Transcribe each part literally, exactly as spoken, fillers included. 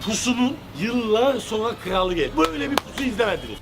pusunun yıllar sonra kralı geldi. Böyle bir pusu izlemediniz.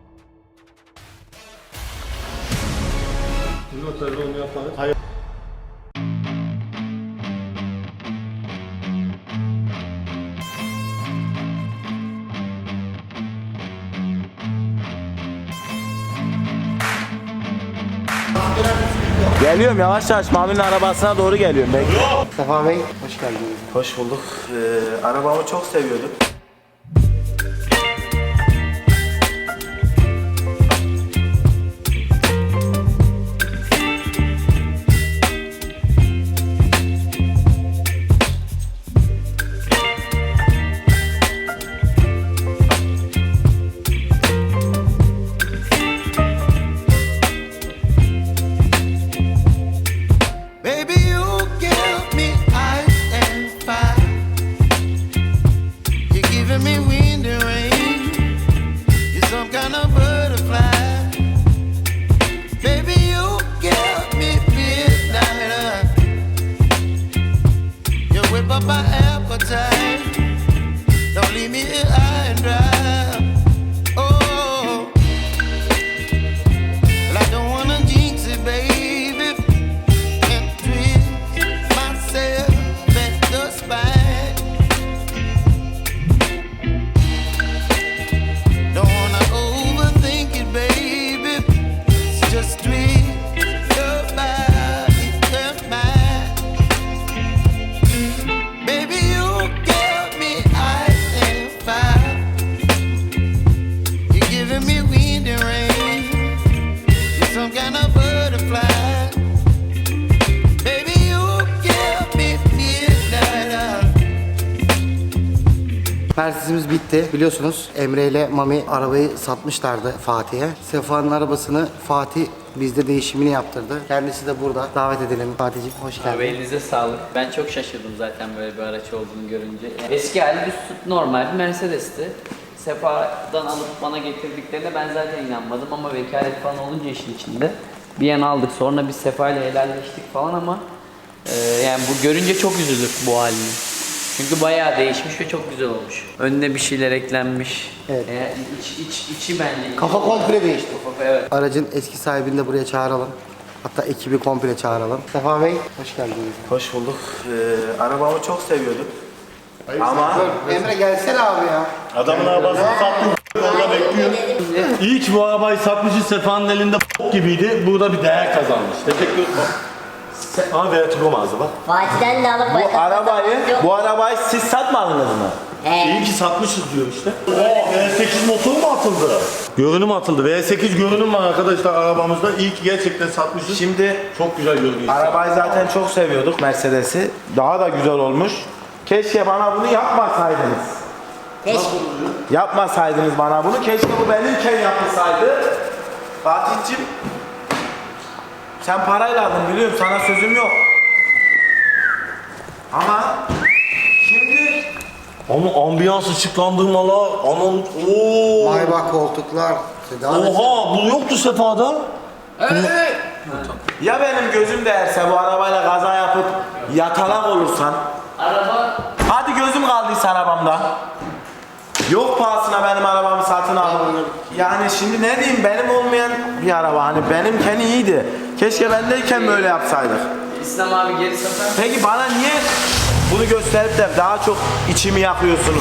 Şimdi otelde onu yaparız. Hayır. Geliyorum yavaş yavaş Mami'nin arabasına doğru geliyorum ben. Sefa Bey, hoş geldiniz. Hoş bulduk. Ee, arabamı çok seviyordum. Persizimiz bitti. Biliyorsunuz Emre ile Mami arabayı satmışlardı Fatih'e. Sefa'nın arabasını Fatih bizde değişimini yaptırdı. Kendisi de burada. Davet edelim. Fatih'ciğim hoş geldin. Abi elinize sağlık. Ben çok şaşırdım zaten böyle bir araç olduğunu görünce. Eski hali düz normal bir Mercedes'ti. Sefa'dan alıp bana getirdiklerine ben zaten inanmadım ama vekalet falan olunca işin içinde bir yana aldık. Sonra biz Sefa ile helalleştik falan ama e, yani bu görünce çok üzüldük bu halini. Çünkü bayağı değişmiş ve çok güzel olmuş. Önüne bir şeyler eklenmiş. Evet. E, iç, iç, içi bence. Kafa komple değişti. Kafa, evet. Aracın eski sahibini de buraya çağıralım. Hatta ekibi komple çağıralım. Sefa Bey hoş geldiniz. Hoş bulduk. Ee, arabamı çok seviyordum. Ama Emre gelsene abi ya. Adamın arabasını sattım. Orada bekliyor. İyi ki bu arabayı satmışız. Sefa'nın elinde gibiydi. Burada bir değer kazanmış. Teşekkür ederim. Ama Vertigo mağaza bak. Fatih'ten de alıp bu arabayı, bu arabayı siz satmadınız mı? He. İyi ki satmışız diyor işte. Oo, V sekiz motor mu atıldı? Görünüm atıldı. V sekiz görünüm var arkadaşlar arabamızda. İyi ki gerçekten satmışız. Şimdi Çok güzel görünüyor. arabayı zaten çok seviyorduk, Mercedes'i. Daha da güzel olmuş. Keşke bana bunu yapmasaydınız. Keşke. Yapmasaydınız bana bunu. Keşke bu benimken yapılsaydı. Fatih'cim, sen parayla aldın biliyorum, sana sözüm yok. Ama şimdi Ama ambiyans ışıklandırmalar, anan ooo. Maybach koltuklar. Oha, bu yoktu Sefa'da. ya benim gözüm değerse bu arabayla kaza yapıp yatalak olursan, Araba hadi gözüm kaldıysa arabamda. Yok pahasına benim arabamı satın al. Yani şimdi ne diyeyim, benim olmayan bir araba, hani benimken iyiydi. Keşke bendeyken böyle yapsaydık. İslam abi geri satar. Peki bana niye bunu gösterip de daha çok içimi yakıyorsunuz?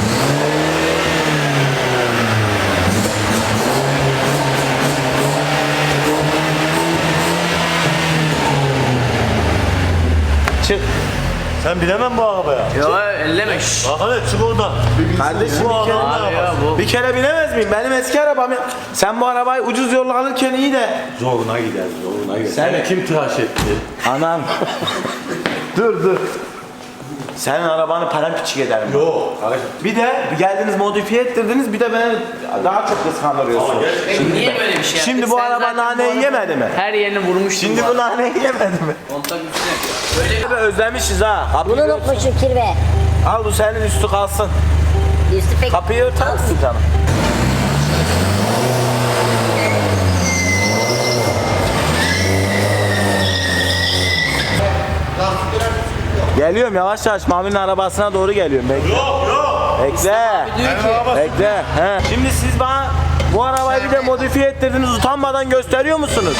Çık. Sen bilemem bu arabaya. Yo elleme şşş. Bak hadi çık oradan. Kardeşim Bu bir kere, adamın Abi ya arabası. bu. bir kere bilemez miyim? Benim eski arabam ya. Sen bu arabayı ucuz yolla alırken iyi de. Zoruna gider, zoruna gider. Sen- Seni kim tıraş etti? Anam. dur dur. Senin arabanı paramparçık ederim. Yok. Bir de geldiniz modifiye ettirdiniz, bir de beni daha çok kıskandırıyorsun. Peki niye böyle bir şey yaptın? Şimdi bu Sen araba zaten bu naneyi araba- yemedi mi? Her yerini vurmuştun. Şimdi bu naneyi yemedi mi? Kontak üstüne. Böyle Abi özlemişiz ha. Kapıyı Bunu ört. unutmuşum kirve. Al bu senin üstü kalsın. Üstü pek... Kapıyı örter misin canım? Geliyorum yavaş yavaş Mami'nin arabasına doğru geliyorum ben. Yok yok. Bekle. Diyor ki Bekle. He. Şimdi siz bana bu arabayı bir de modifiye ettirdiniz, utanmadan gösteriyor musunuz?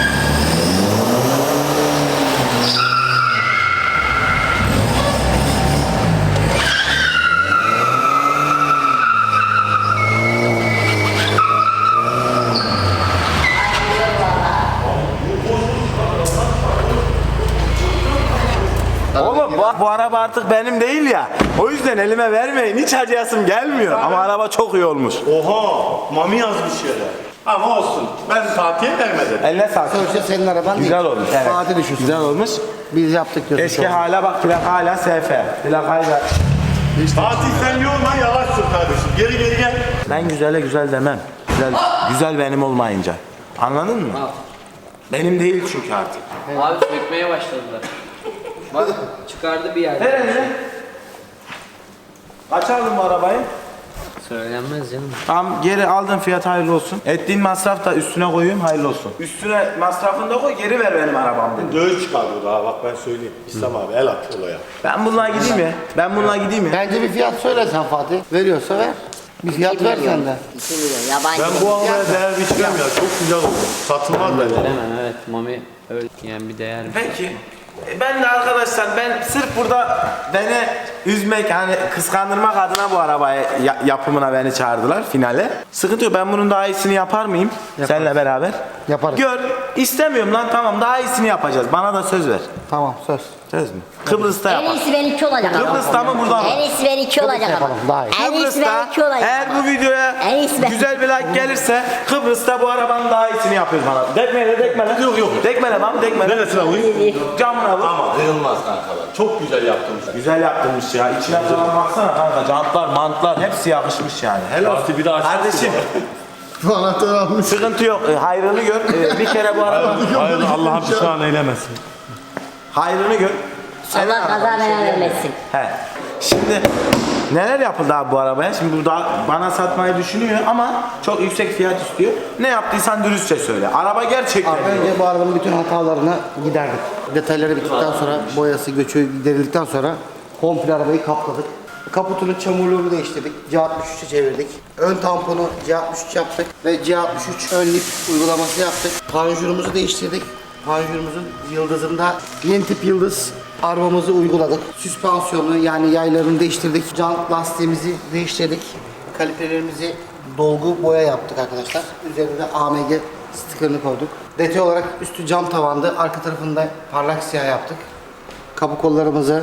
Oğlum bu, bu araba artık benim değil ya. O yüzden elime vermeyin. Hiç acıyasım gelmiyor. Ama araba çok iyi olmuş. Oha, Mami yazmış yere. Ama olsun. Ben Fatih'e vermedim. Eline sağlık. Sonuçta senin araban Güzel değil. olmuş. Evet. Fatih düşünsün. Güzel olmuş. Biz yaptık diyorsun. Eski şu an. hala bak, plak hala S F. Plak hala. Fatih sen yorma, yavaş sür kardeşim. Geri geri gel. Ben güzele güzel demem. Güzel, güzel benim olmayınca. Anladın mı? Al. Benim değil çünkü artık. abi sökmeye başladılar. Bak çıkardı bir yerde. Nerede? Kaç aldın bu arabayı? Söylenmez canım. Tamam, geri aldın, fiyat hayırlı olsun. Ettiğin masraf da üstüne koyayım, hayırlı olsun. Üstüne masrafını da koy, geri ver benim arabamı. Dövüş çıkardı daha, bak ben söyleyeyim. İslam abi el at olaya. Ben bununla gideyim mi? Ben bununla gideyim mi? Bence bir fiyat söyle sen Fatih. Veriyorsa ver. Bir fiyat ver sen de. iki milyon yabancı. Ben bu arabaya değer biçmem ya, çok güzel oldu. Satılmaz bence. Veremem evet. Mami öyle yani bir değer. Peki. E, Ben de arkadaşlar, ben sırf burada beni üzmek, hani kıskandırmak adına bu arabayı ya- yapımına beni çağırdılar finale. Sıkıntı yok, ben bunun daha iyisini yapar mıyım? Seninle beraber. Yaparız. Gör, istemiyorum lan, tamam, daha iyisini yapacağız. Bana da söz ver. Tamam söz. Söz mü? Kıbrıs'ta En yapar. iyisi benimki olacak ama. Kıbrıs'ta mı, burada mı? En iyisi benimki olacak ama. yapalım, daha iyi. En iyisi Kıbrıs'ta benimki olacak eğer ama. bu videoya En iyisi ben- güzel bir like gelirse Kıbrıs'ta bu arabanın daha iyisini yapıyoruz bana. Dekmele, dekmele. Yok yok. Dekmele lan, dekmele. Neresine alayım? Camına vur. Ama kıyılmaz kankalar. Çok güzel yaptınız. Güzel yaptırmış ya. İçine falan baksana kanka. Jantlar, mantlar hepsi yakışmış yani. Helal. Fatih bir daha açsın. Kardeşim, Bu anahtarı almış. sıkıntı yok. E, hayrını gör. E, bir kere bu araba Hayır, Allah'ım pişman eylemesin. hayrını gör. Senin Allah kaza araban, bir şey bela diyemem. vermesin. He. Şimdi neler yapıldı abi bu arabaya? Şimdi bu da bana satmayı düşünüyor ama çok yüksek fiyat istiyor. Ne yaptıysan dürüstçe söyle. Araba gerçekten Abi önce bu arabanın bütün hatalarını giderdik. Detayları bittikten sonra, boyası, göçü giderildikten sonra komple arabayı kapladık. Kaputunun çamurluğunu değiştirdik. C altmış üç'e çevirdik. Ön tamponu C altmış üç yaptık ve C altmış üç ön lip uygulaması yaptık. Panjurumuzu değiştirdik. Panjurumuzun yıldızında yeni tip yıldız armamızı uyguladık. Süspansiyonu yani yaylarını değiştirdik. Jant lastiğimizi değiştirdik. Kaliperlerimizi dolgu boya yaptık arkadaşlar. Üzerinde A M G sticker'ını koyduk. Detay olarak üstü cam tavandı. Arka tarafında parlak siyah yaptık. Kapı kollarımızı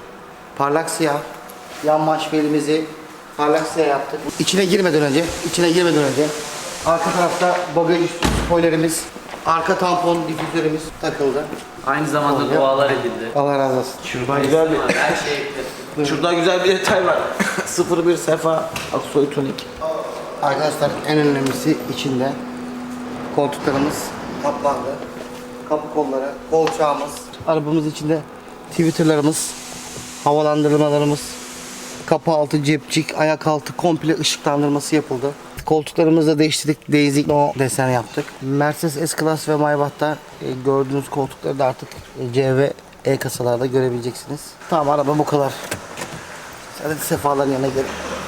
parlak siyah. Yan maşvelimizi parlak siyah yaptık. İçine girmeden önce, içine girmeden önce arka tarafta bagaj üstü spoilerimiz, arka tampon difüzörümüz takıldı. Aynı zamanda Oluyor. dualar edildi. Allah razı olsun. Şurada güzel bir Her şey ekledim. Şurada güzel bir detay var. sıfır bir Sefa Aksoy Tunik. Arkadaşlar en önemlisi içinde koltuklarımız kaplandı. Kapı kolları, kolçağımız. Arabamız içinde Twitter'larımız, havalandırmalarımız, kapı altı cepçik, ayak altı komple ışıklandırması yapıldı. Koltuklarımızı da değiştirdik. Daisy no desen yaptık. Mercedes S-Class ve Maybach'ta e, gördüğünüz koltukları da artık e, C ve E kasalarda görebileceksiniz. Tamam, araba bu kadar. Hadi Sefa'ların yanına gidelim.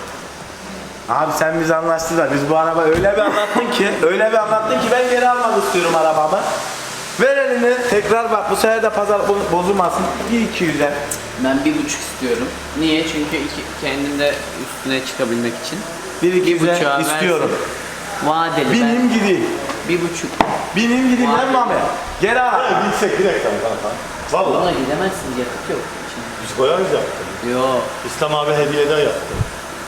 Abi sen biz anlaştık da biz bu araba öyle bir anlattın ki öyle bir anlattın ki ben geri almak istiyorum arabamı. Ver elini tekrar bak, bu sefer de pazar bo- bozulmasın. bir iki yüze. Ben bir buçuk istiyorum. Niye? Çünkü iki, kendim de üstüne çıkabilmek için. bir iki yüze buçuğa istiyorum. versin. Vadeli Binim gideyim. ben bir buçuk. Binim gideyim lan Mami. Geri al. Bilsek bir reklam kanka. Buna Valla. gidemezsiniz, yakıt yok. Biz koyarız yaptık. Yo. İslam abi hediyeden yaptı.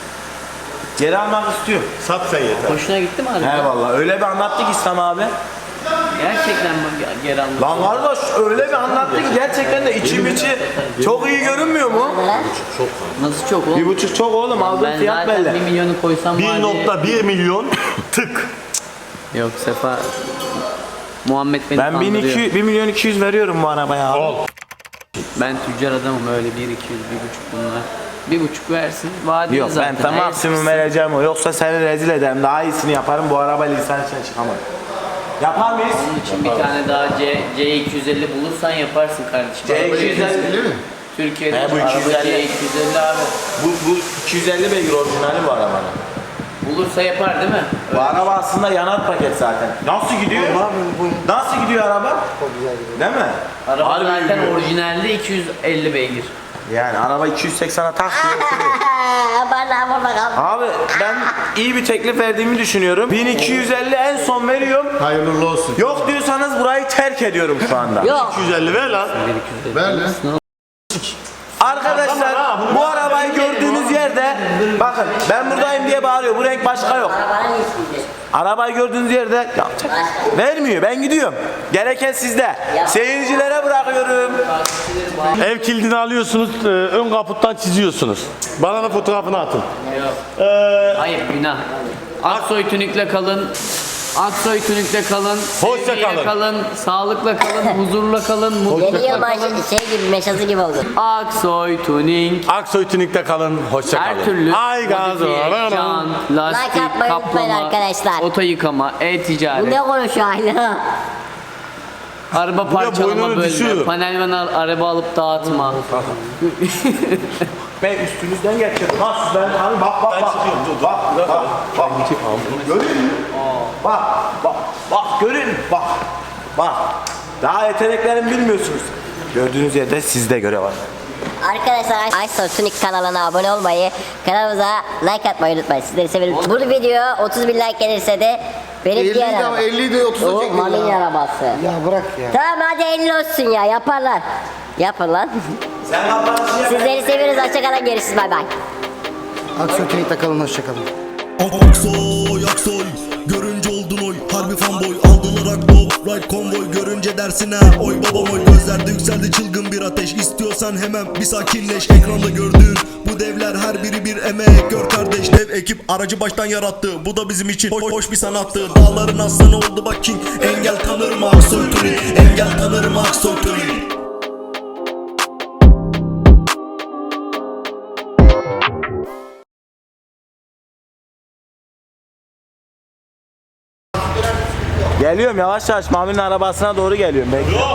Geri almak istiyor. Sat sen yeter. Hoşuna gitti mi abi? He vallahi öyle bir anlattı ki İslam abi. Gerçekten mi geri almak? Lan kardeş öyle bir anlattı ki gerçekten de içim içi çok iyi görünmüyor mu? Nasıl çok oğlum? Bir buçuk çok oğlum, aldığın Ben fiyat zaten belli. bir milyonu koysam bir vadeli- nokta bir milyon tık. Yok Sefa. Muhammed beni Ben bin kandırıyor. iki yüz, bir milyon iki yüz veriyorum bu arabaya abi. Al. Ben tüccar adamım, öyle bir iki yüz, bir buçuk bunlar. Bir buçuk versin. Vadeli Yok zaten. ben tam Her maksimum ikisi- vereceğim o. Yoksa seni rezil ederim. Daha iyisini yaparım. Bu arabayla insan içine çıkamam. Yapar mıyız? Onun için bir tane daha C, C iki yüz elli bulursan yaparsın kardeşim. C Arabayı- iki yüz elli mi? Türkiye'de He, bu iki yüz elli. arabacıya iki yüz elli abi. Bu, bu iki yüz elli beygir orijinali bu arabanın. Bulursa yapar değil mi? Bu araba aslında yanar paket zaten. Nasıl gidiyor? Nasıl gidiyor araba? Değil mi? Araba Harbi zaten gidiyor. orijinalde iki yüz elli beygir. Yani araba iki yüz seksene tak diyor. Bana vur bakalım. Abi ben iyi bir teklif verdiğimi düşünüyorum. bin iki yüz elli en son veriyorum. Hayırlı uğurlu olsun. Yok diyorsanız burayı terk ediyorum şu anda. Yok. iki yüz elli ver lan. Ver lan. Arkadaşlar bu arabayı gördüğünüz yerde bakın ben buradayım diye bağırıyor. Bu renk başka yok. Arabanın iyisiydi. Arabayı gördüğünüz yerde ya, vermiyor. Ben gidiyorum. Gereken sizde. Seyircilere bırakıyorum. Ev kilidini alıyorsunuz, e, ön kaputtan çiziyorsunuz. Bana da fotoğrafını atın. Yok. Ee, Hayır günah. Aksoy Tünik'le kalın. Aksoy Tünik'le kalın. Hoşça sevgiyle kalın. kalın. Sağlıkla kalın. Huzurla kalın. Yeni Mutlulukla yılbaşı kalın. şey gibi meşası gibi oldu. Aksoy Tuning. Aksoy Tünik'te kalın, hoşça kalın. Her türlü Ay gaz modifiye, var. jant, lastik, Like atmayı unutmayın kaplama, arkadaşlar. oto yıkama, Bu e-ticaret, ne konuşuyor hala? araba parçalama boynunu bölme, düşürür. panelman al, araba alıp dağıtma. Ben üstünüzden geçiyorum. Ha siz ben hani bak bak bak. Bak bak bak. Görüyor musun? Bak bak bak görün bak. Bak. Daha yeteneklerimi bilmiyorsunuz. Gördüğünüz yerde sizde görev var. Arkadaşlar Aysoy Tunik kanalına abone olmayı, kanalımıza like atmayı unutmayın. Sizleri severim. Bu video otuz bin like gelirse de benim elli diğer de arabam. elli de otuzda O çekiyor Mami'nin ya. arabası. Ya bırak ya. Tamam hadi elli olsun ya yaparlar. Yapın lan. Sen kapanışı yap. Sizleri seviyoruz. Hoşçakalın. Görüşürüz. Bay bay. Aksoy Tünik'te kalın, hoşçakalın. Aksoy Aksoy görünce oldun oy harbi fanboy aldılar aklo right konvoy görünce dersin ha oy babam oy gözlerde yükseldi çılgın bir ateş istiyorsan hemen bir sakinleş ekranda gördüğün bu devler her biri bir emek gör kardeş dev ekip aracı baştan yarattı bu da bizim için hoş, hoş bir sanattı dağların aslanı oldu bak king engel tanır mı Aksoy Tuning engel tanır mı Aksoy Tuning. Geliyorum yavaş yavaş Mami'nin arabasına doğru geliyorum. Bekle.